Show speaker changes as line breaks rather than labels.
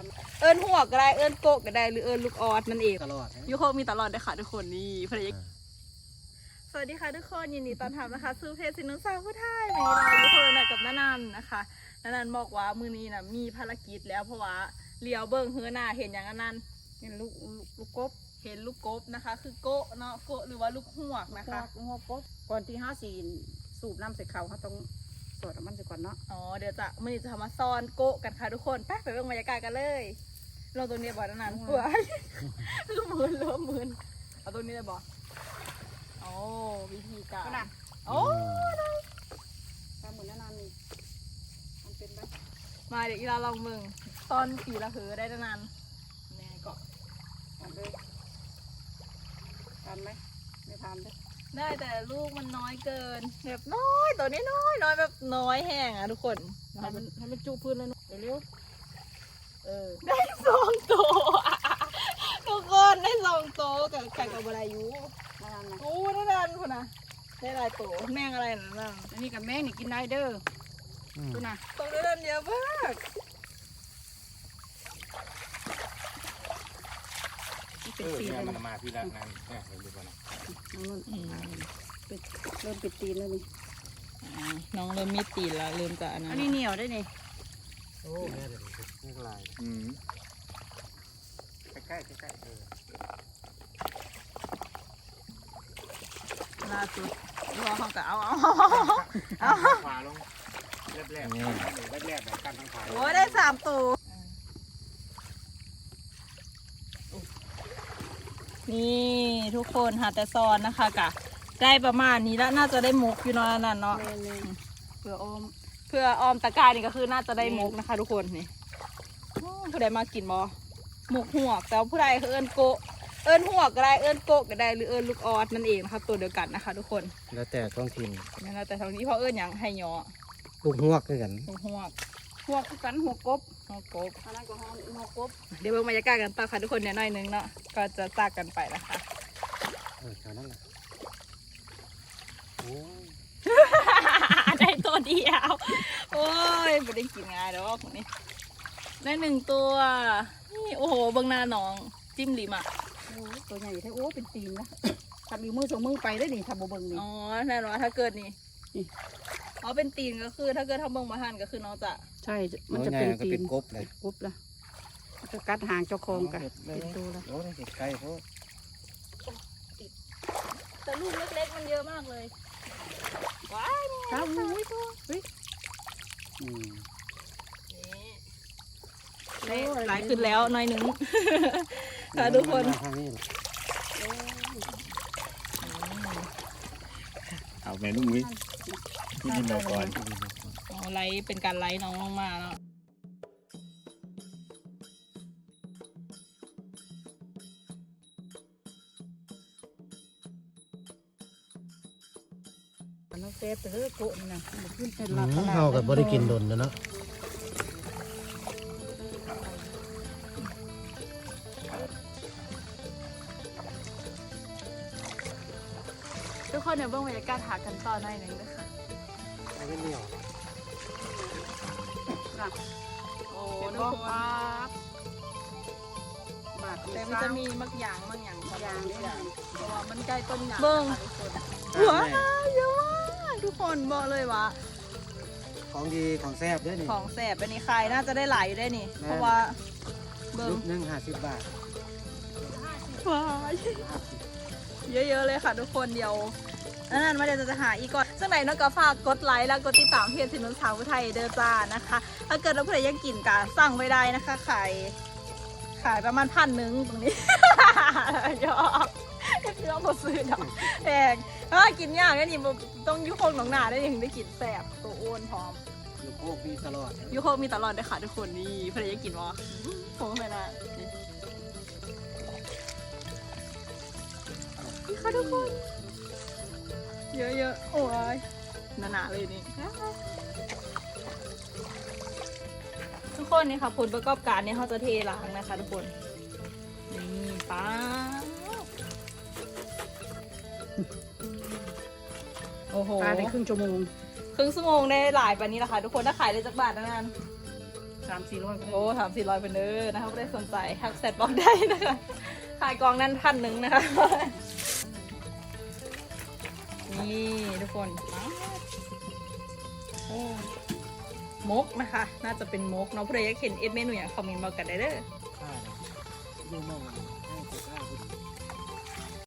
เอิญหัวก็ได้เอิญโกะก็ได้หรือเอิญลูกออดนั่นเอง
ตลอด
ยูโคมีตลอดเลยค่ะทุกคนนี่ภรรยาสวัสดีค่ะทุกคนยินดีต้อนรับนะคะสู่เพจสินนุสาวผู้ไทยวันนี้เราอยู่คนกับน้านันนะคะน้านันบอกว่ามือนี้นะมีภารกิจแล้วเพราะว่าเลี้ยวเบิ้งเฮือหน้าเห็นอย่างนั้นเห็นลูกกบเห็นลูกกบนะคะ คือโกะเนาะโกะหรือว่าลูกหวกนะคะ
หัวกบก่อนที่สูบน้ำใส่เขาเขาต้องสวดมันใส่ก่อนเนาะ
อ๋อเดี๋ยวจะมือนี้จะทำมาซ้อนโกะกันค่ะทุกคนไปเบิ่งบรรยากาศกันเลยเราตัวนี้บ่อน้านันหัวคือมืนเริ่มมืนเอาตัวนี้เลยบ่โอ้วิธีการโอ้
ถ้าเหมือนนานๆมันเป็นแบบ
มาเดี๋ยวอีลาลองมึงตอนปีละเหอได้นานแม่ก็
ทำเลยทานไหมไม่ทานเลย
ได้แต่ลูกมันน้อยเกินแบบน้อยตัวนี้น้อยแบบน้อยแห้งอ่ะทุกคน
ให้มันจุพื้นเลยเร็ว
ได้2 ตัวทุกคนได้2 ตัวกับไก่กับบรายุ
นานนะ
โอ้ได้นานคนนะได้หลายตัวแม่งอะไรนั่น
อันนี้กับแม่นี่กินได้เด้อดูนะ
ตัวได้นานเยอะมาก
นี่เป็นตีนเลย
มันมาพี่ละนั่นเนี่ยเห็นดูก่อนนะ
เริ่มปิดตีนแล้วนี่
น้องเริ่มมีตีนแล้วเริ่มจะอันนั้
อั
น
นนี้เหนียวได้นี่
โอ้แม่เดี๋ยวนี่ลายใกล้
ล่าสุดรอเขาก็เอา
ขวาลงแรบแบบกันทั้งขา
โอ้ยได้3 ตัวนี่ทุกคนหาแต่ซอนนะคะกะได้ประมาณนี้แล้วน่าจะได้มุกอยู่เนาะนั่นเนาะ
แม่นี่
เพื่อออมตะกร้ายนี่ก็คือน่าจะได้มุกนะคะทุกคนนี่ผู้ใดมากินบอหมกหัวกแต่ผู้ใดคือเอิญโกะเอิญหัวกก็ได้เอิญโกะก็ได้หรือเอิญลูกออดนั่นเองนะคะตัวเดียวกันนะคะทุกคน
แล้วแต่ท้องถิ่น
นั่นแหละแต่ทางนี้เพราะเอิญอย่างให้ยอ
ลูกหวกคือกัน
ลูกหัวก
หัวกันหัวกบ
หัวกบ
อันนั้นก็หัวกบ
เดี๋ยวเบิ่งบรรยากาศกันต่อค่ะทุกคนเนี่ยหน่อยนึงเนาะก็จะจากกันไปนะคะ
แถวนั้นแหละโอ้ย
ได้ตัวเดียวโอ้ยไม่ได้กินง่ายแล้วคนนี้ได้1 ตัวนี่โอ้โหเบิ่งหน้าน้องจิ้มลิมอ่ะ
ตัวใหญ่แท้โอ้เป็นตีนนะทำอีมือ2 มือไปได้นี่ทำโบเบิงนี่
อ๋อแน่นอนถ้าเกิดนี่อ๋อเป็นตีนก็คือถ้าเกิดทำเบิ่งมาทันก็คือน้องจะ
ใช่มันจะเป็นตี
เป็น นกบเลย
กบละจะกัดหางเจ้าของกันเป็นตัวละ
โอ้ยใกล้เพราะ
แต่ลูกเล็กๆมันเยอะมากเลยว้าย
ข้าวอุ้ยตัวเฮ้ย
นี่หลายขึ้นแล้วหน่อยหนึงค่ะทุกคน
เอาแม่ลูกนี้ที่นี่มาก่อน
อ๋อไลฟ์เป็นการไลฟ์น้องลงมาเนาะ
น้องเซฟเฮ้ยโกะนี่นะมันขึ้นเป็นหลัก
เฮากับ่ได้กินดนเนาะ
ทุกคนเดี๋ยวเบิ่งบรรยากาศหากันต่อหน่อยหนึงด้วยค่ะ
ไม่เหนียว
โอ้
เป็น
ทุ
บ่
กคน
ป๊าบบาด
แต่มันจะมีมักอย่างของ
ยาง
เพ
นี่นะ
ราะว่ามันใกล้ต้นยางเบิ่งหัวเยอะมากทุกคนบอกเลยว่า
ของดีของแซ่บด้วยนี่
ของแสบอันนี้ใครน่าจะได้หลายอยู่ได้นี่ เพราะว่าเบิ่ง
ลูกนึง50 บาท
ว้ายเยอะๆเลยค่ะทุกคนเดียวนั่นมาเดี๋ยวจะหาอีกก่อนซึ่งไหนน้องก็ฝากกดไลค์แล้วกดติดตามเพจสินนุสาวผู้ไทยเด้อจ้านะคะ ถ้าเกิดเราผู้ใดอยากกินก็สั่งไปได้นะคะขายประมาณ1,000ตรงนี้ ยอกพี่น้องบ่ซื้อดอกแพงถ้ากินยากนี่ต้องยุคงหนองนาได้ถึงได้กินแสบตัวอ้วนพร้อม
ลูกโคกมีตลอด
ยุคงมีตลอดเลยค่ะทุกคนนี่ผู้ใดอยากกินวะผมไม่ได้นี่ค่ะทุกคน เยอะๆ โอ้ยหนาๆเลยนี่ ทุกคนนี่ค่ะผลประกอบการเนี่ยเขาจะเทล้างนะคะทุกคน นี่ป้าโอ้โห
ปลาได้ครึ่งชั่วโมง
ครึ่งชั่วโมงได้หลายปานนี้แหละค่ะทุกคนถ้าขายได้จักบาทนะนัน
ข 300-400
โอ้300-400เป็นเด้อนะคะไม่ได้สนใจทักแซดบอกได้นะคะขายกองนั้น1,000นะคะนี่ทุกคนโอ้มกนะคะ น่าจะเป็นมกเนาะผู้ใดอยากเห็นเมนูอย่างคอมเมนต์มากันได้เด้อ
ดูมองให้ตัวข้าว